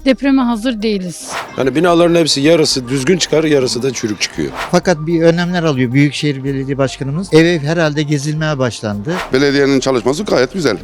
Depreme hazır değiliz. Yani binaların hepsi yarısı düzgün çıkar, yarısı da çürük çıkıyor. Fakat bir önlemler alıyor Büyükşehir Belediye Başkanımız. Ev herhalde gezilmeye başlandı. Belediyenin çalışması gayet güzel.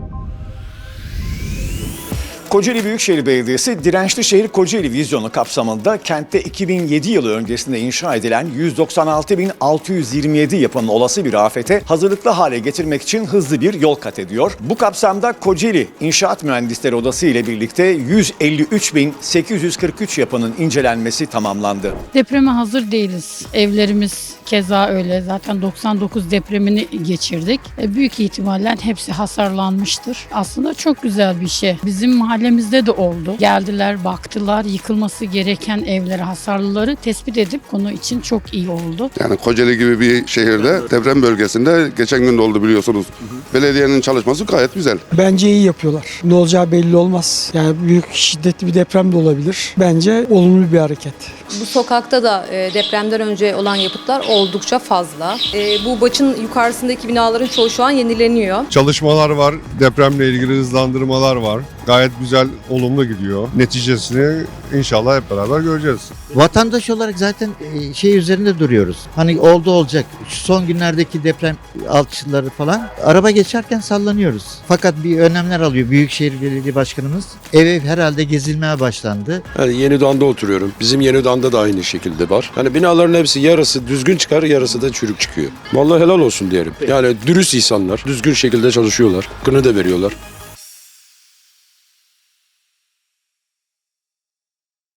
Kocaeli Büyükşehir Belediyesi Dirençli Şehir Kocaeli vizyonu kapsamında kentte 2007 yılı öncesinde inşa edilen 196.627 yapının olası bir afete hazırlıklı hale getirmek için hızlı bir yol kat ediyor. Bu kapsamda Kocaeli İnşaat Mühendisleri Odası ile birlikte 153.843 yapının incelenmesi tamamlandı. Depreme hazır değiliz. Evlerimiz keza öyle. Zaten 99 depremini geçirdik. Büyük ihtimalle hepsi hasarlanmıştır. Aslında çok güzel bir şey. Bizim mahallemizde de oldu. Geldiler, baktılar. Yıkılması gereken evleri, hasarlıları tespit edip konu için çok iyi oldu. Yani Kocaeli gibi bir şehirde deprem bölgesinde geçen gün de oldu biliyorsunuz. Belediyenin çalışması gayet güzel. Bence iyi yapıyorlar. Ne olacağı belli olmaz. Yani büyük şiddetli bir deprem de olabilir. Bence olumlu bir hareket. Bu sokakta da depremden önce olan yapıtlar oldukça fazla. Bu Baç'ın yukarısındaki binaların çoğu şu an yenileniyor. Çalışmalar var, depremle ilgili hızlandırmalar var. Gayet güzel, olumlu gidiyor. Neticesini inşallah hep beraber göreceğiz. Vatandaş olarak zaten şey üzerinde duruyoruz. Hani oldu olacak. Şu son günlerdeki deprem alçıları falan araba geçerken sallanıyoruz. Fakat bir önlemler alıyor Büyükşehir Belediye Başkanımız. Ev herhalde gezilmeye başlandı. Yani Yenidoğan'da oturuyorum. Bizim Yenidoğan'da da aynı şekilde var. Yani binaların hepsi yarısı düzgün çıkar, yarısı da çürük çıkıyor. Vallahi helal olsun diyelim. Yani dürüst insanlar, düzgün şekilde çalışıyorlar. Hakkını da veriyorlar.